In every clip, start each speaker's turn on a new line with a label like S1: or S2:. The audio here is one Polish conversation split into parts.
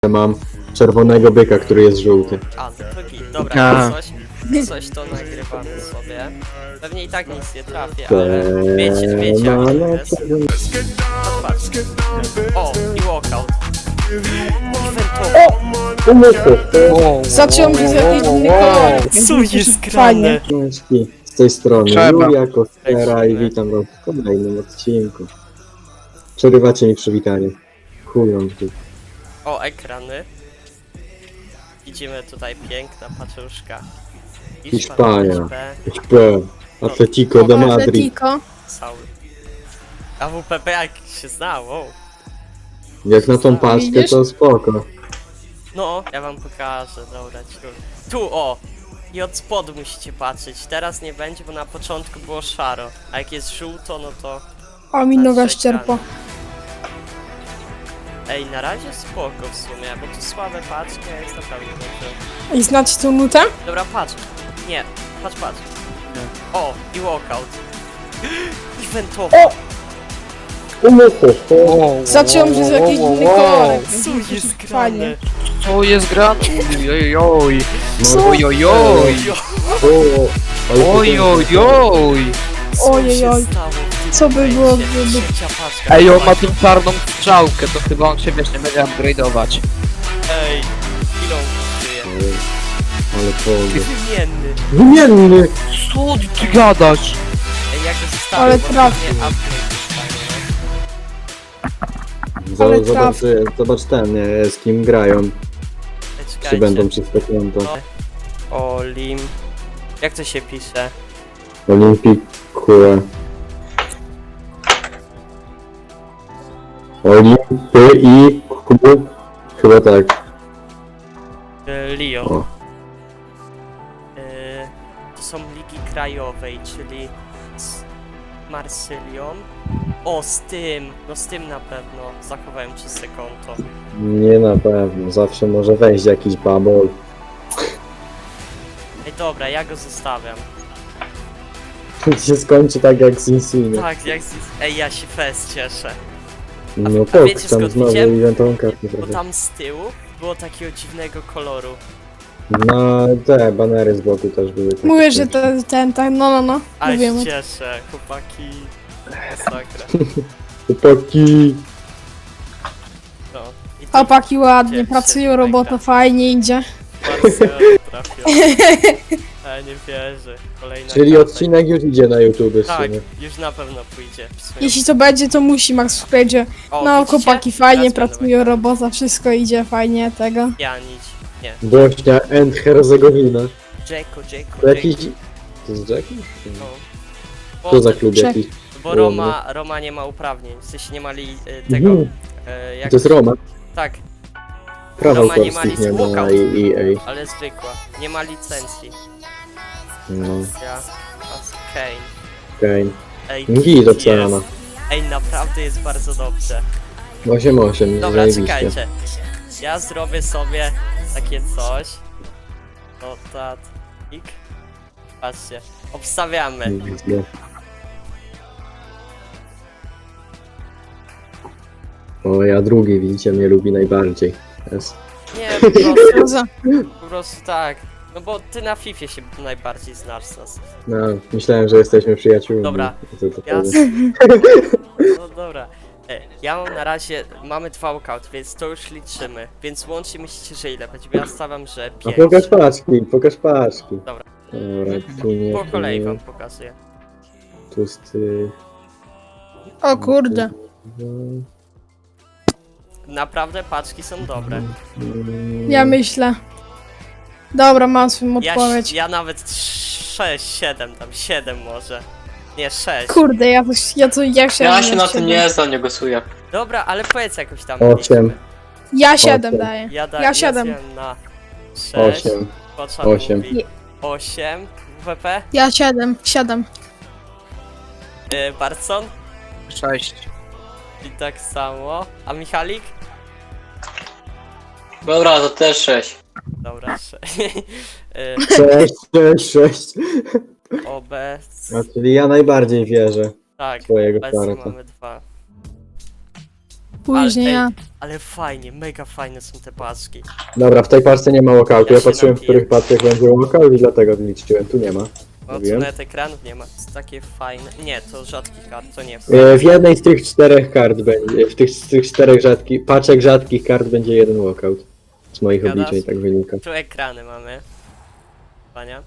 S1: mam czerwonego byka, który jest żółty.
S2: A, no to git. Dobra, coś to nagrywamy sobie. Pewnie i tak nic nie trafię, ale wiecie jak to jest. Patrz. O, i walkout.
S3: Zacząłem z jakiejś innej kolor.
S2: Co jest grane?
S3: Fajnie.
S1: Z tej strony
S4: Trzeba.
S1: Julia Kostera i witam was w kolejnym odcinku. Przerywacie mi przywitanie. Chują tu.
S2: O, ekrany. Widzimy tutaj piękna paczuszka.
S1: Hiszpania. HP, Atletico de Madrid.
S3: Atletico.
S2: Cały. AWPP jak się znało.
S1: Jak na tą paczkę
S3: Widzisz?
S1: to spoko.
S2: No, ja wam pokażę, dobra, tu o! I od spodu musicie patrzeć, teraz nie będzie, bo na początku było szaro, a jak jest żółto, no to...
S3: O, mi noga ścierpa.
S2: Ej, na razie spoko w sumie, bo tu słabe paczki, a jest naprawdę dobrze.
S3: I znacie tą nutę?
S2: Dobra, patrz. Nie, patrz. O, i walkout. Eventowo.
S3: Zacząłem z jakiejś innej kolor.
S2: Co jest
S3: Fajnie.
S2: grane?
S4: Co jest grane? Ojojoj.
S3: Co?
S4: Ojojoj. Ojojoj.
S3: Ojojoj. Co by było, gdyby...
S4: Ej, on ma tą czarną strzałkę, to chyba on się wiesz, nie będzie upgrade'ować.
S2: Ej, ile on kosztuje?
S1: Ale powiem.
S2: Wymienny.
S1: Wymienny!
S4: Co ty gadasz?
S2: Ej, jak go zostawię,
S3: Ale
S2: bo
S3: trafię.
S2: pewnie upgrade dostanie,
S3: Ale
S1: Zobacz ten, nie, z kim grają.
S2: no.
S1: Czy
S2: Czekajcie.
S1: będą przez to konto.
S2: Olim. Jak to się pisze?
S1: Olimpikue. Olimpy i Q. Chyba tak.
S2: Lyon.
S1: O.
S2: To są ligi krajowej, czyli z Marsylią. O, z tym! No z tym na pewno. Zachowałem czyste konto.
S1: Nie na pewno, zawsze może wejść jakiś babol.
S2: Ej, dobra, ja go zostawiam.
S1: się skończy tak jak z Insigne.
S2: Tak, jak z... Ej, ja się fest cieszę.
S1: No
S2: a
S1: tak,
S2: wiecie,
S1: tam
S2: skąd
S1: znowu
S2: widziałem?
S1: eventową kartę
S2: Bo
S1: trochę.
S2: tam z tyłu było takiego dziwnego koloru.
S1: Na te banery z boku też były takie.
S3: Mówię, że ten, no.
S2: Ale się
S3: Mówię.
S2: cieszę, chłopaki. Masakra.
S1: Chłopaki!
S2: No. I tu
S3: Chłopaki ładnie,
S2: Cieszę się,
S3: pracują, robota
S2: Majka.
S3: fajnie idzie.
S2: Barcelona trafiła. Ale nie wierzę. Kolejna
S1: Czyli
S2: karta.
S1: odcinek już idzie na YouTube w
S2: Tak,
S1: sumie.
S2: już na pewno pójdzie. W sumie.
S3: Jeśli to będzie, to musi Max wejdzie.
S2: O,
S3: No,
S2: widzicie?
S3: chłopaki fajnie
S2: Teraz będą
S3: pracują,
S2: ekrany.
S3: robota, wszystko idzie fajnie, tego.
S2: Ja nic. Nie.
S1: Bośnia and Hercegowina.
S2: Jacko.
S1: To jakiś... To jest Jackie?
S2: No.
S1: Co za klub
S3: Czek.
S1: jakiś?
S2: Bo Roma nie ma uprawnień. W sensie nie mali tego.
S1: Mhm.
S2: Jak
S1: To jest Roma.
S2: Tak,
S1: Prawa
S2: Roma nie ma
S1: autorskich nie ma
S2: licencji.
S1: i EA.
S2: ale zwykła. Nie ma licencji.
S1: No,
S2: Ja. Kane.
S1: okej.
S2: Ej,
S1: Git
S2: jest.
S1: ocena.
S2: Ej, naprawdę jest bardzo dobrze.
S1: 8-8,
S2: Dobra,
S1: zajebiście.
S2: czekajcie. Ja zrobię sobie takie coś. Notatnik. Patrzcie, obstawiamy.
S1: Widzę. O, ja drugi, widzicie, mnie lubi najbardziej. Jest.
S2: Nie, po prostu tak. No bo ty na FIFA się najbardziej znasz z nas.
S1: No, myślałem, że jesteśmy przyjaciółmi.
S2: Dobra.
S1: To
S2: Ja...
S1: powiem.
S2: No dobra. Ja mam na razie, mamy 2 walkout, więc to już liczymy. Więc łącznie myślicie, że ile będzie? Bo ja stawiam, że
S1: A
S2: 5.
S1: pokaż paczki, pokaż paczki.
S2: Dobra.
S1: Dobra, tu nie,
S2: Po
S1: tu
S2: kolei
S1: nie,
S2: wam pokazuję.
S1: Tłusty...
S3: O kurde.
S2: Naprawdę paczki są dobre.
S3: Ja myślę. Dobra, mam swoją odpowiedź.
S2: Ja nawet 6, 7 tam, 7 może. Nie, 6.
S3: Kurde, ja się
S5: Ja się na tym nie znam, nie głosuję.
S2: Dobra, ale powiedz jakoś tam.
S1: 8.
S3: Ja 7
S1: Osiem.
S3: daję.
S2: Ja
S3: 7.
S2: zjem na 6.
S1: 8.
S2: Poczan
S1: 8.
S2: mówi 8. WP.
S3: Ja 7.
S2: Barson.
S4: 6.
S2: I tak samo. A Michalik?
S5: Dobra, to też 6.
S2: Dobra, 6.
S1: 6.
S2: Obec.
S1: A czyli ja najbardziej wierzę
S2: Tak,
S1: w twojego
S2: obecnie
S1: starta.
S2: mamy 2.
S3: Później
S2: ej,
S3: ja.
S2: Ale fajnie, mega fajne są te paczki.
S1: Dobra, w tej parce nie ma walkoutu.
S2: Ja
S1: Ja
S2: się
S1: patrzyłem, w
S2: napiję.
S1: których parcach będzie walkout i dlatego liczyłem. Tu nie ma.
S2: O, tu
S1: Mówiłem.
S2: nawet ekranów nie ma. To jest takie fajne. Nie, to rzadkich kart, to nie.
S1: W jednej z tych 4 kart będzie, z tych 4 paczek rzadkich kart będzie jeden walkout. Z moich
S2: Gadasz?
S1: obliczeń tak wynika.
S2: Tu ekrany mamy. Pania.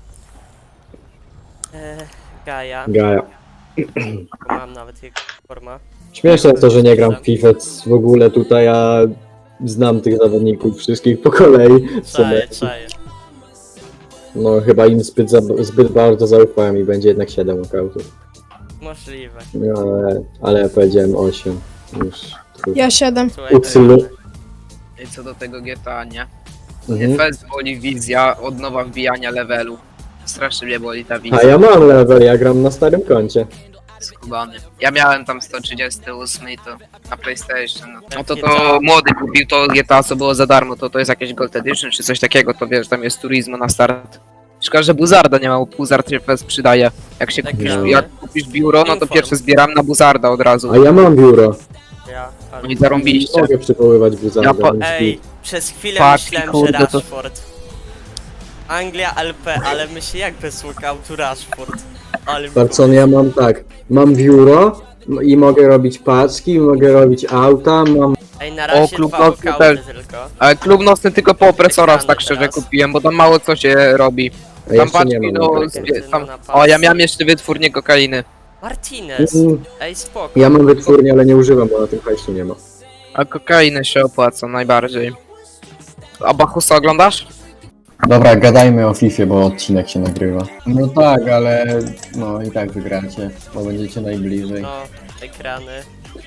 S2: Gaja.
S1: Gaja.
S2: Mam nawet jego forma.
S1: Śmieszne jest to, że nie gram w FIFA w ogóle tutaj, a znam tych zawodników wszystkich po kolei.
S2: Czaję.
S1: No chyba im zbyt bardzo zaufałem i będzie jednak 7 walkoutów.
S2: Możliwe.
S1: No, ale ja powiedziałem 8. Już.
S3: Ja 7.
S2: Tu
S1: Upsylu.
S2: ekrany.
S4: I co do tego GTA, nie?
S1: Mhm.
S4: Fest boli wizja od nowa wbijania levelu. Strasznie mnie boli ta
S1: A
S4: wizja.
S1: ja mam level, ja gram na starym koncie.
S4: Skubany. Ja miałem tam 138 i to na PlayStation. No to
S2: GTA.
S4: młody kupił to GTA, co było za darmo, to jest jakieś Gold Edition czy coś takiego, to wiesz, tam jest Turismo na start. Szkoda, że Buzarda nie ma, bo Buzard się fest przydaje. Jak się kupisz,
S2: Ekrany.
S4: jak kupisz biuro, no to
S2: Inform.
S4: pierwsze zbieram na Buzarda od razu.
S1: A ja mam biuro.
S2: Ja,
S4: No i zarąbiście.
S1: Nie mogę przywoływać Buzarda,
S4: Ja po-
S1: więc
S2: Ej, przez chwilę
S4: Fuck,
S2: myślałem,
S4: kurde,
S2: że
S4: to-
S2: Rashford. Anglia LP, ale myślę jak bez walkoutu Rashford. Ale mi
S1: Barcon, ja mam tak, mam biuro i mogę robić paczki, mogę robić auta, mam...
S2: Ej, na razie
S4: klub
S2: 2
S4: nocny
S2: walkouty
S4: też.
S2: tylko.
S4: Ale klub nocny tylko po opresorach
S2: Ekrany
S4: tak szczerze
S2: teraz.
S4: kupiłem, bo tam mało co się robi.
S1: A
S4: Tam
S1: jeszcze nie
S4: paczki
S1: mam.
S4: do...
S1: tak.
S4: Tam... O, ja miałem jeszcze wytwórnię kokainy.
S2: Martinez.
S1: Mm,
S2: Ej, spoko.
S1: Ja mam wytwórnię, ale nie używam, bo na tym hajsu nie ma.
S4: A kokainę się opłaca najbardziej. A Bachusa oglądasz?
S1: Dobra, gadajmy o FIFA, bo odcinek się nagrywa. No tak, ale no i tak wygracie, bo będziecie najbliżej.
S2: No, ekrany.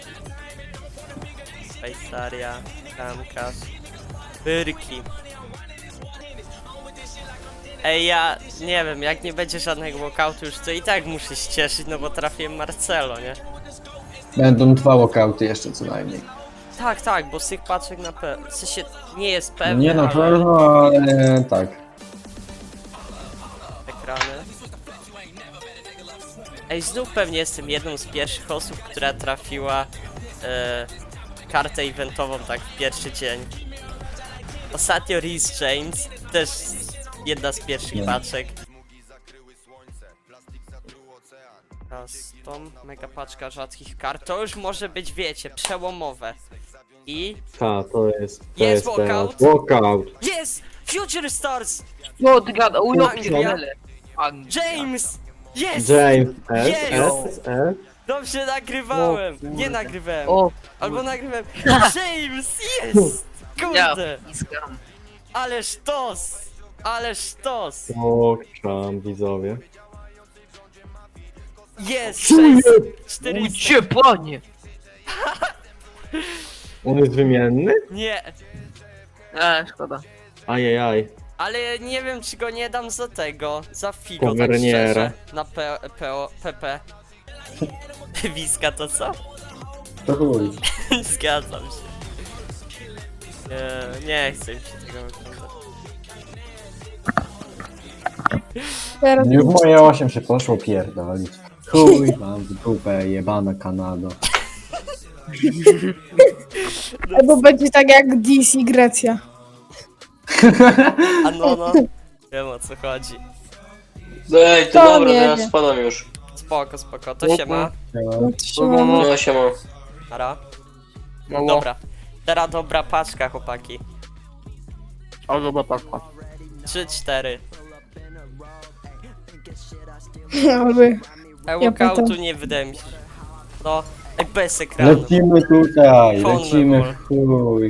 S2: Szwajcaria, Kamkas. Byrki. Ej, ja nie wiem, jak nie będzie żadnego walkoutu już, to i tak muszę się cieszyć, no bo trafiłem Marcelo, nie?
S1: Będą 2 walkouty jeszcze co najmniej.
S2: Tak, bo z tych paczek na pewno. W sensie nie jest pewne,
S1: Nie na
S2: ale
S1: pewno, ale tak.
S2: ekrany. Ej, znów pewnie jestem jedną z pierwszych osób, która trafiła kartę eventową tak w pierwszy dzień. Ostatnio Reece James, też jedna z pierwszych paczek. Custom, mega paczka rzadkich kart, to już może być, wiecie, przełomowe. I
S1: To jest
S2: Jest walkout?
S1: Walkout.
S2: jest! Future Stars!
S4: No, ty gada,
S2: Anglia. James! Jest!
S1: James
S2: Jest!
S1: S.
S2: Dobrze nagrywałem! Nie nagrywałem!
S4: O,
S2: Albo nagrywałem. James! Jest!
S4: ja,
S2: Kurde!
S4: iskam.
S2: Ale sztos! Ale sztos!
S1: Pokczam, widzowie.
S2: Jest! 400!
S4: Ucie, panie!
S1: On jest wymienny?
S2: Nie!
S4: Szkoda.
S1: Ajajaj.
S2: Ale nie wiem, czy go nie dam za tego, za Figo, tak
S1: Taverniera.
S2: szczerze. Na PP. Wiska to co?
S1: To chuj.
S2: Zgadzam się. Nie chcę mi się tego oglądać.
S3: Teraz
S1: Już moje 8 się poszło pierdolić. Chuj, mam w dupę, jebana Kanado.
S3: albo będzie tak jak DC Grecja.
S2: A no. Wiem o co chodzi.
S5: Ej, to
S3: To
S5: dobra,
S3: nie
S5: to ja
S3: wiem.
S5: spadam już.
S2: Spoko, to się ma.
S3: No to się ma.
S5: No się mam.
S2: Ara.
S4: Mało.
S2: Dobra. Teraz dobra paczka, chłopaki.
S4: O, dobra, paczka.
S2: 3-4.
S3: Albo
S2: Walkoutu
S3: pytam.
S2: nie wydaje mi się. No, ej, bez ekranu.
S1: Lecimy tutaj,
S2: Phone
S1: lecimy
S2: call.
S1: w chuj.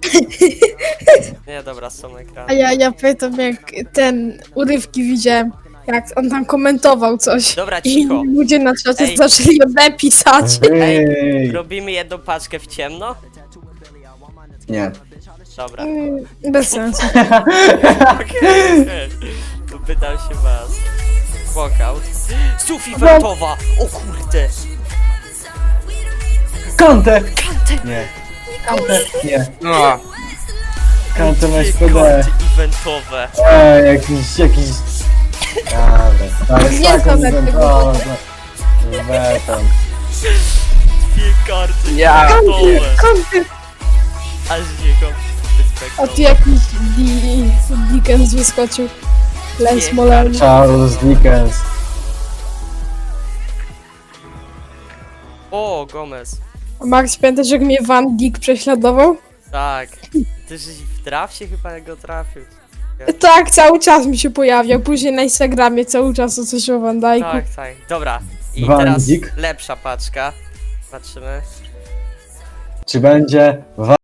S2: Nie, dobra, są
S3: A
S2: ekrany.
S3: ja pytam, jak ten urywki widziałem, jak on tam komentował coś.
S2: Dobra,
S3: I
S2: cicho.
S3: ludzie na czacie
S2: Ej.
S3: zaczęli ode pisać.
S1: Ej!
S2: Robimy jedną paczkę w ciemno?
S1: Nie.
S2: Dobra.
S3: Bez sensu.
S2: Okej. To pytam się was. Walkout. Sufi Wertowa! O kurde!
S1: Kantę! Nie. Kantę! Nie.
S4: No,
S1: Kantę na
S2: Dwie
S1: SPD.
S2: karty eventowe.
S1: Jakiś... Ale
S3: Nie
S1: taką
S3: znam tego.
S1: inwentorzę. Wetam.
S2: Jakie karty
S4: Ja.
S2: kartowe.
S3: Kąty.
S2: Aż nie go
S3: A tu jakiś Dickens wyskoczył. Les Molen.
S1: Charles Dickens.
S2: O, Gomez.
S3: Max, pamiętasz jak mnie Van Dijk prześladował?
S2: Tak. Ty żeś w drafcie chyba go trafił.
S3: Tak, cały czas mi się pojawiał. Później na Instagramie cały czas o coś o Van Dijku.
S2: Tak, tak. Dobra. I
S1: Van
S2: teraz
S1: Dijk?
S2: lepsza paczka. Patrzymy.
S1: Czy będzie